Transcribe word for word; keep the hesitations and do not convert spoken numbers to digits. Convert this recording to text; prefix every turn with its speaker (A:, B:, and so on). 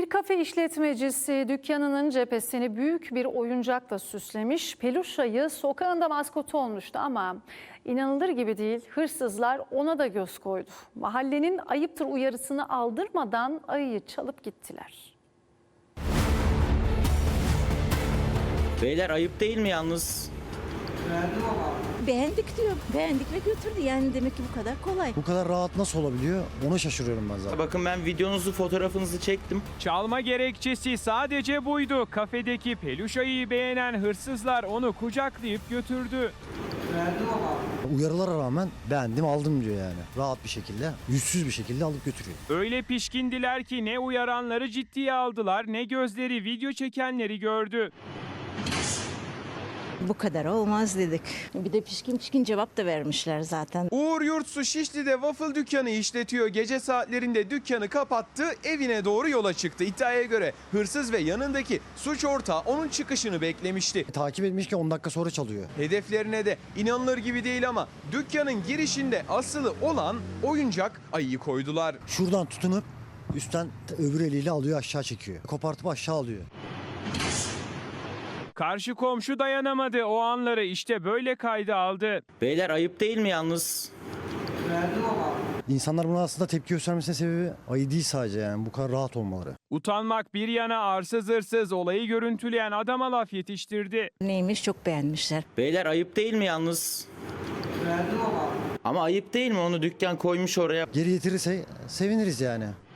A: kafe işletmecisi dükkanının cephesini büyük bir oyuncakla süslemiş. Peluş ayı sokağında maskotu olmuştu ama inanılır gibi değil, hırsızlar ona da göz koydu. Mahallenin ayıptır uyarısını aldırmadan ayıyı çalıp gittiler.
B: Beyler ayıp değil mi yalnız?
C: Beğendik diyor. Beğendik ve götürdü. Yani demek ki bu kadar kolay.
D: Bu kadar rahat nasıl olabiliyor? Ona şaşırıyorum ben zaten.
B: Bakın ben videonuzu, fotoğrafınızı çektim.
E: Çalma gerekçesi sadece buydu. Kafedeki peluş ayıyı beğenen hırsızlar onu kucaklayıp götürdü.
D: Uyarılara rağmen beğendim aldım diyor yani. Rahat bir şekilde, yüzsüz bir şekilde alıp götürüyor.
E: Öyle pişkindiler ki ne uyaranları ciddiye aldılar ne gözleri video çekenleri gördü.
C: Bu kadar olmaz dedik. Bir de pişkin pişkin cevap da vermişler zaten.
F: Uğur Yurtsu Şişli'de waffle dükkanı işletiyor. Gece saatlerinde dükkanı kapattı, evine doğru yola çıktı. İddiaya göre hırsız ve yanındaki suç ortağı onun çıkışını beklemişti.
D: Takip etmiş ki on dakika sonra çalıyor.
F: Hedeflerine de inanılır gibi değil ama dükkanın girişinde asılı olan oyuncak ayıyı koydular.
D: Şuradan tutunup üstten öbür eliyle alıyor aşağı çekiyor. Kopartıp aşağı alıyor.
E: Karşı komşu dayanamadı. O anları işte böyle kayda aldı.
B: Beyler ayıp değil mi yalnız?
D: İnsanlar buna aslında tepki göstermesinin sebebi ayı değil sadece yani bu kadar rahat olmaları.
E: Utanmak bir yana arsız hırsız olayı görüntüleyen adama laf yetiştirdi.
C: Neymiş çok beğenmişler.
B: Beyler ayıp değil mi yalnız? Ama ayıp değil mi, onu dükkan koymuş oraya?
D: Geri getirirse seviniriz yani.